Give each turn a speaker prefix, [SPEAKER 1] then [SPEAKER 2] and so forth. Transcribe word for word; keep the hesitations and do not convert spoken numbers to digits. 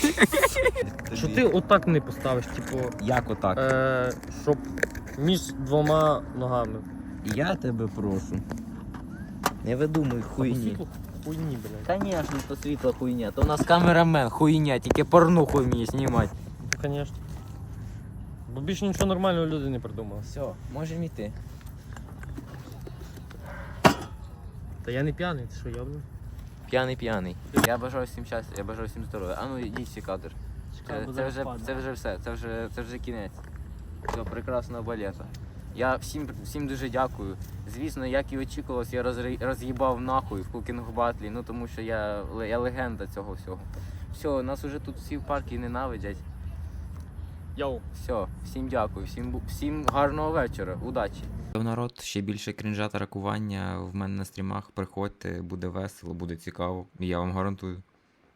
[SPEAKER 1] Що ти отак не поставиш, типу,
[SPEAKER 2] Як отак?
[SPEAKER 1] е, щоб між двома ногами.
[SPEAKER 2] Я тебе прошу. Не видумуй хуйні.
[SPEAKER 1] Світло хуйні, блядь.
[SPEAKER 2] Конечно, то світло хуйня. То у нас камерамен хуйня, тільки порнуху вміє знімати.
[SPEAKER 1] Ну, звісно. Бо більше нічого нормального люди не придумали.
[SPEAKER 2] Все, можемо йти.
[SPEAKER 1] Та я не п'яний, ти що, йобну?
[SPEAKER 2] П'яний п'яний. Я бажаю всім щастя, я бажаю всім здоров'я. А ну йдіть всі кадр. Це, це, вже, це вже все, це вже, це вже кінець цього прекрасного балету. Я всім, всім дуже дякую. Звісно, як і очікувалось, я розри- роз'їбав нахуй в кукінг батлі, ну тому що я, я легенда цього всього. Все, нас уже тут всі в парку ненавидять.
[SPEAKER 1] Йоу.
[SPEAKER 2] Все, всім дякую, всім, бу- всім гарного вечора, удачі. Народ, ще більше крінжа та ракування в мене на стрімах. Приходьте, буде весело, буде цікаво, я вам гарантую.